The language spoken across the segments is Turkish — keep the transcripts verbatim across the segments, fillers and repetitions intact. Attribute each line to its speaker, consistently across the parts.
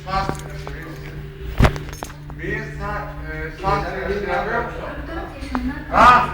Speaker 1: saç bir saç e, saç tıraşı yapıyor musun? Ha?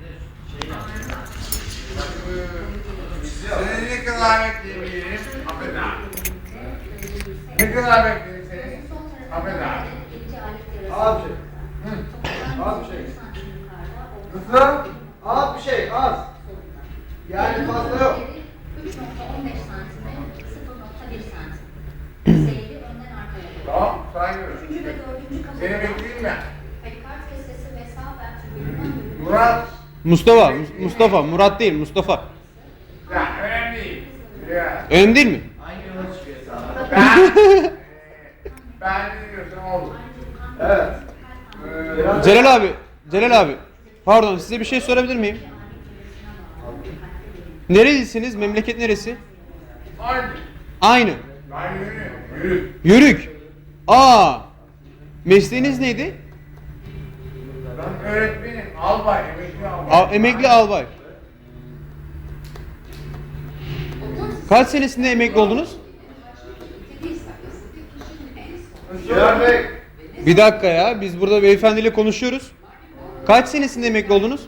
Speaker 1: Seni ne kadar bekleyebilirim? Affedersin. Ne kadar bekleyeyim seni? Affedersin.
Speaker 2: Az bir şey. Az bir şey.
Speaker 1: Nasıl?
Speaker 2: Az bir şey, az. Yani fazla yok.
Speaker 3: üç nokta on beş santime sıfır nokta bir santim. Seyri önden arkaya doğru.
Speaker 1: Tamam, saygıyorum.
Speaker 3: Üçüncü ve dördüncü kapı.
Speaker 1: Seni bekleyeyim ben.
Speaker 3: Perikard kesesi ve sağ vertebüründen bölümü.
Speaker 1: Murat.
Speaker 4: Mustafa, Mus- Mustafa, Murat değil, Mustafa.
Speaker 1: Ya önemli değil. Ya.
Speaker 4: Önemli değil mi?
Speaker 2: Hangi yola çıkıyor sana?
Speaker 1: Ben, e, ben ne diyorsam olur.
Speaker 2: Evet.
Speaker 1: Ee,
Speaker 4: Celal abi, Celal abi. Pardon, size bir şey sorabilir miyim? Nerelisiniz? Memleket neresi?
Speaker 1: Aynı.
Speaker 4: Aynı.
Speaker 1: Ben yürüyorum. Yürü.
Speaker 4: Yörük. Aa. Mesleğiniz neydi?
Speaker 1: Ben öğretmenim. Albay, emekli albay.
Speaker 4: A- emekli albay. Kaç senesinde emekli oldunuz?
Speaker 2: Cihan Bey.
Speaker 4: Bir dakika ya, biz burada beyefendiyle konuşuyoruz. Kaç senesinde emekli oldunuz?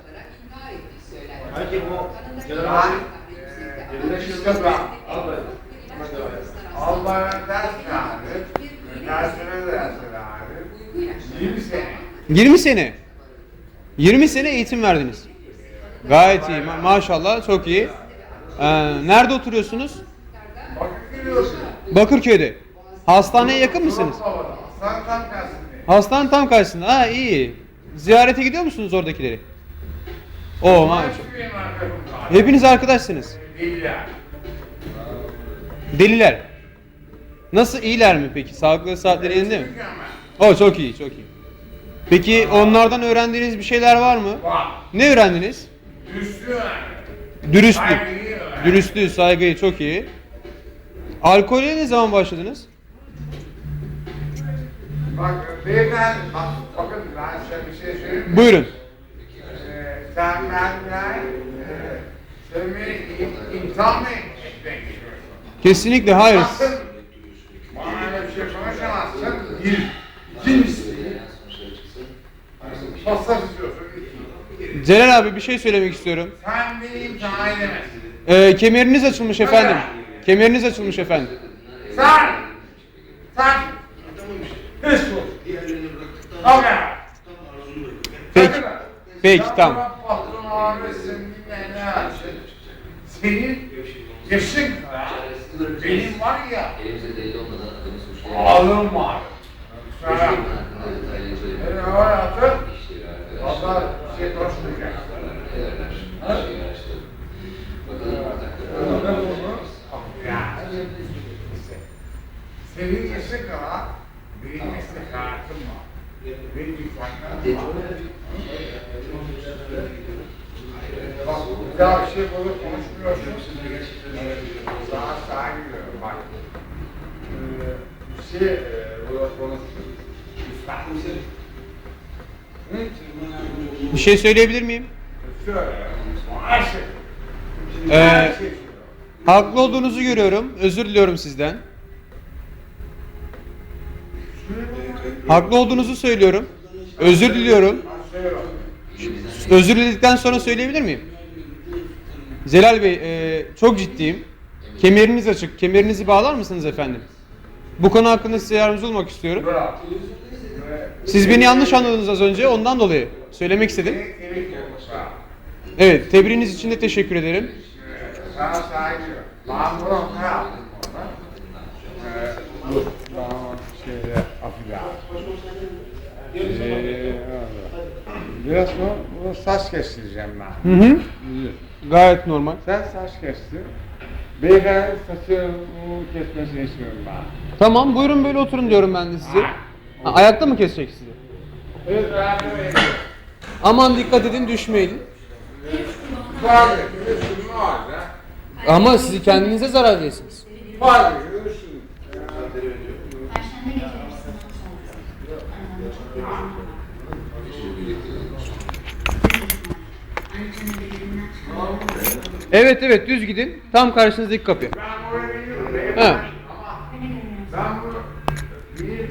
Speaker 2: Hangi bu?
Speaker 1: Ben,
Speaker 2: General
Speaker 1: e,
Speaker 2: Birleşik
Speaker 1: işte
Speaker 2: Yıldız.
Speaker 1: ben.
Speaker 2: Albay.
Speaker 1: Albay'a ders verdim. Dersine ders verdim. yirmi sene.
Speaker 4: yirmi sene. yirmi sene eğitim verdiniz. Gayet iyi, ma- maşallah, çok iyi. Ee, nerede oturuyorsunuz?
Speaker 1: Bakın geliyorsun.
Speaker 4: Bakırköy'de. Hastaneye yakın mısınız?
Speaker 1: Sen tam tersinde.
Speaker 4: Hastane tam karşısında. Ha, iyi. Ziyarete gidiyor musunuz oradakileri? Oo, maşallah.
Speaker 1: Benim arkadaşım var.
Speaker 4: Hepiniz arkadaşsınız.
Speaker 1: Deliler.
Speaker 4: Deliler. Nasıl, iyiler mi peki? Sağlıklı saatleri yerinde mi?
Speaker 1: Mükemmel.
Speaker 4: O çok iyi, çok iyi. Peki onlardan öğrendiğiniz bir şeyler var mı?
Speaker 1: Var.
Speaker 4: Ne öğrendiniz?
Speaker 1: Üstü önemli.
Speaker 4: Dürüstlük.
Speaker 1: Saygıyı öğren.
Speaker 4: Dürüstlüğü, saygıyı, çok iyi. Alkole ne zaman başladınız?
Speaker 1: Bak beyefendi, bak, bakın ben size bir şey söyleyeyim mi?
Speaker 4: Buyurun.
Speaker 1: Ee, sen benden e, sen beni im- imtihan mı etmek istiyorsun?
Speaker 4: Kesinlikle hayır.
Speaker 1: Sakın bana öyle bir şey konuşamazsın. Bir. İkincisi. Hassas istiyorsun. İki.
Speaker 4: Celal abi bir şey söylemek istiyorum.
Speaker 1: Sen beni imtihan edemezsin.
Speaker 4: Ee, kemeriniz açılmış efendim. Kemeriniz açılmış efendim.
Speaker 1: Sen! Sen! Hiç bu. Okey.
Speaker 4: Peki. Peki, tamam.
Speaker 1: Patron abi senin ne açın? Senin yaşın kadar benim var ya
Speaker 5: Elimizde delil olmadan adamı suçlayan
Speaker 1: ağlım var. Sana
Speaker 5: hakkında detaylı
Speaker 1: beni
Speaker 5: söylemek
Speaker 1: hayatı
Speaker 5: işleri
Speaker 1: valla
Speaker 5: arkadaşlar.
Speaker 1: şey konuşmayacak.
Speaker 5: Ederler. Her şeyi araştırın. Bakalım
Speaker 1: Anladın
Speaker 5: ortakları.
Speaker 1: mı? Ya. Senin yaşın kadar benim meslek hayatım var. Benim imkanlarım var. Bak bir daha bir şey burada konuşmuyorsun. Sana saygı duyuyorum bak. Ee, bir şey e, burada konuşuyoruz. Lütfen. Hı?
Speaker 4: Bir şey söyleyebilir miyim?
Speaker 1: Söyle. Her şey.
Speaker 4: Ee,
Speaker 1: Her şey söyle.
Speaker 4: Haklı olduğunuzu görüyorum. Özür diliyorum sizden. Haklı olduğunuzu söylüyorum. Özür diliyorum.
Speaker 1: Ben söyle.
Speaker 4: Özür diledikten sonra söyleyebilir miyim? Celal Bey, e, çok ciddiyim. Kemeriniz açık. Kemerinizi bağlar mısınız efendim? Bu konu hakkında size yardımcı olmak istiyorum.
Speaker 1: Bravo.
Speaker 4: Siz beni yanlış anladınız az önce. Ondan dolayı söylemek istedim.
Speaker 1: Tebrik ederim. Bravo.
Speaker 4: Evet, tebriğiniz için de teşekkür ederim.
Speaker 1: Sana saygı duyuyorum. Ben bunu ne yaptım orada? Ee, dur. Bana şeyde affedersin. Ee, biraz bu, bu saç kestireceğim ben.
Speaker 4: Hı hı. Gayet normal.
Speaker 1: Sen saç kestir. Beyefendi saçı kesmesini istiyorum ben.
Speaker 4: Tamam, buyurun böyle oturun diyorum ben de size. Ha, ayakta mı kesecek sizi?
Speaker 1: Evet, beraber bekliyorum.
Speaker 4: Aman dikkat edin, düşmeyin.
Speaker 1: Tabii, üstüm var ya.
Speaker 4: Ama siz kendinize zarar verirsiniz.
Speaker 1: Tabii, üstüm.
Speaker 3: Perşembe gece yarısından sonra. Anneciğim birbirinden çıkıyor.
Speaker 4: Evet evet, düz gidin. Tam karşınızdaki kapı.
Speaker 1: Ben oraya biliyorum.
Speaker 4: Ha.
Speaker 1: Ama ben bunu Bir,